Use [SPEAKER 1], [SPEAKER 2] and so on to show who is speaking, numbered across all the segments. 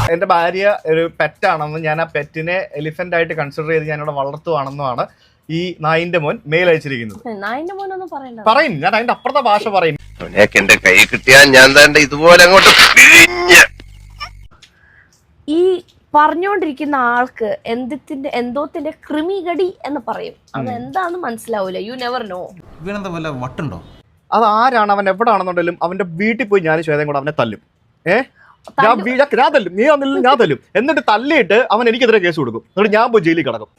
[SPEAKER 1] എന്റെ ഭാര്യ ഒരു പെറ്റാണെന്നും ഞാൻ ആ പെറ്റിനെ എലിഫന്റ് ആയിട്ട് കൺസിഡർ ചെയ്ത് ഞാനിവിടെ വളർത്തുവാണെന്നുമാണ് ഈ നായിന്റെ മോൻ മെയിൽ അയച്ചിരിക്കുന്നത്. പറയും, ഞാൻ അതിന്റെ അപ്പുറത്തെ ഭാഷ പറയും.
[SPEAKER 2] എന്റെ കൈ കിട്ടിയാൽ ഞാൻ തന്നെ ഇതുപോലെ അങ്ങോട്ട്
[SPEAKER 3] ഈ പറഞ്ഞുകൊണ്ടിരിക്കുന്ന ആൾക്ക് എന്തോത്തിന്റെ കൃമികടി എന്ന് പറയും. അത് എന്താന്ന് മനസ്സിലാവൂല. You never know.
[SPEAKER 4] ഇവനെന്താ വല്ല വട്ടുണ്ടോ?
[SPEAKER 1] അത് ആരാണ്, അവൻ എവിടെ ആണെന്നുണ്ടെങ്കിലും അവന്റെ വീട്ടിൽ പോയി ഞാൻ ശ്വേതയും കൂടെ അവനെ തല്ലും. ഞാൻ തല്ലും, നീ വന്നില്ല ഞാൻ തല്ലും. എന്നിട്ട് തല്ലിയിട്ട് അവൻ എനിക്കെതിരെ കേസ് കൊടുക്കും. എന്നിട്ട് ഞാൻ പോയി ജയിലിൽ കിടക്കും.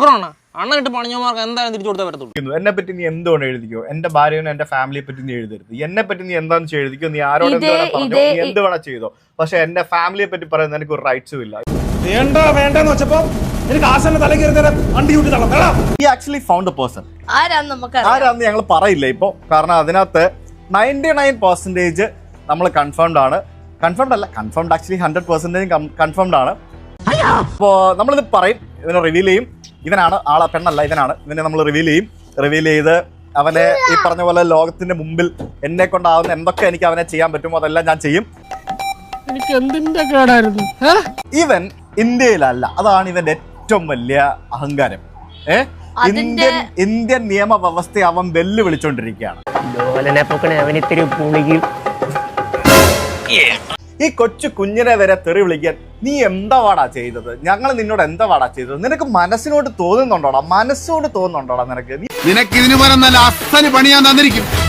[SPEAKER 1] എന്നെ പറ്റി നീ എന്തുകൊണ്ട് എഴുതിക്കോ, എന്റെ ഭാര്യനെ എന്റെ ഫാമിലിയെ പറ്റി നീ എഴുതരുത്. എന്നെ പറ്റി നീ എന്താന്ന് വെച്ചാൽ എഴുതിക്കോ, നീ ആരോട് എന്ത് വേണം പറഞ്ഞോ, നീ എന്ത് വേണം ചെയ്തോ. പക്ഷെ എന്റെ ഫാമിലിയെ പറ്റി പറയുന്നത് എനിക്ക് ഒരു റൈറ്റ്സും ഇല്ല.
[SPEAKER 5] വേണ്ടെന്ന് വെച്ചപ്പോ
[SPEAKER 1] ആക്ച്വലി ഫൗണ്ട് ദ പേഴ്സൺ. ആരാന്ന് ഞങ്ങൾ പറയില്ല ഇപ്പൊ, കാരണം അതിനകത്ത് 99% നമ്മൾ കൺഫേംഡ് ആണ്. കൺഫേംഡ് അല്ല, കൺഫേംഡ് ആക്ച്വലി 100% കൺഫേംഡ് ആണ്. അപ്പോ നമ്മളിത് പറയും, ഇവനെ റിവീൽ ചെയ്യും. ഇവനാണ് ആളെ, പെണ്ണല്ല ഇവനാണ്. ഇവനെ നമ്മൾ റിവീൽ ചെയ്ത് അവനെ ഈ പറഞ്ഞ പോലെ ലോകത്തിന്റെ മുമ്പിൽ എന്നെ കൊണ്ടാവുന്ന എന്തൊക്കെ എനിക്ക് അവനെ ചെയ്യാൻ പറ്റുമോ അതെല്ലാം ഞാൻ ചെയ്യും.
[SPEAKER 5] എനിക്ക് എന്തിന്റെ കേടായിരുന്നു?
[SPEAKER 1] ഇവൻ ഇന്ത്യയിലല്ല, അതാണ് ഇവന്റെ ഏറ്റവും വലിയ അഹങ്കാരം. ഇന്ത്യൻ നിയമവ്യവസ്ഥയെ അവൻ വെല്ലുവിളിച്ചോണ്ടിരിക്കുകയാണ്. ഈ കൊച്ചു കുഞ്ഞിനെ വരെ തെറി വിളിക്കാൻ നീ എന്താ വാടാ ചെയ്തത്? ഞങ്ങൾ നിന്നോട് എന്താ വാടാ ചെയ്തത്? നിനക്ക് മനസ്സിനോട് തോന്നുന്നുണ്ടോടാ? മനസ്സോട് തോന്നുന്നുണ്ടോടാ നിനക്ക്?
[SPEAKER 4] നിനക്ക് ഇതിനു പകരം നല്ല അസല് പണി ഞാൻ തന്നിരിക്കും.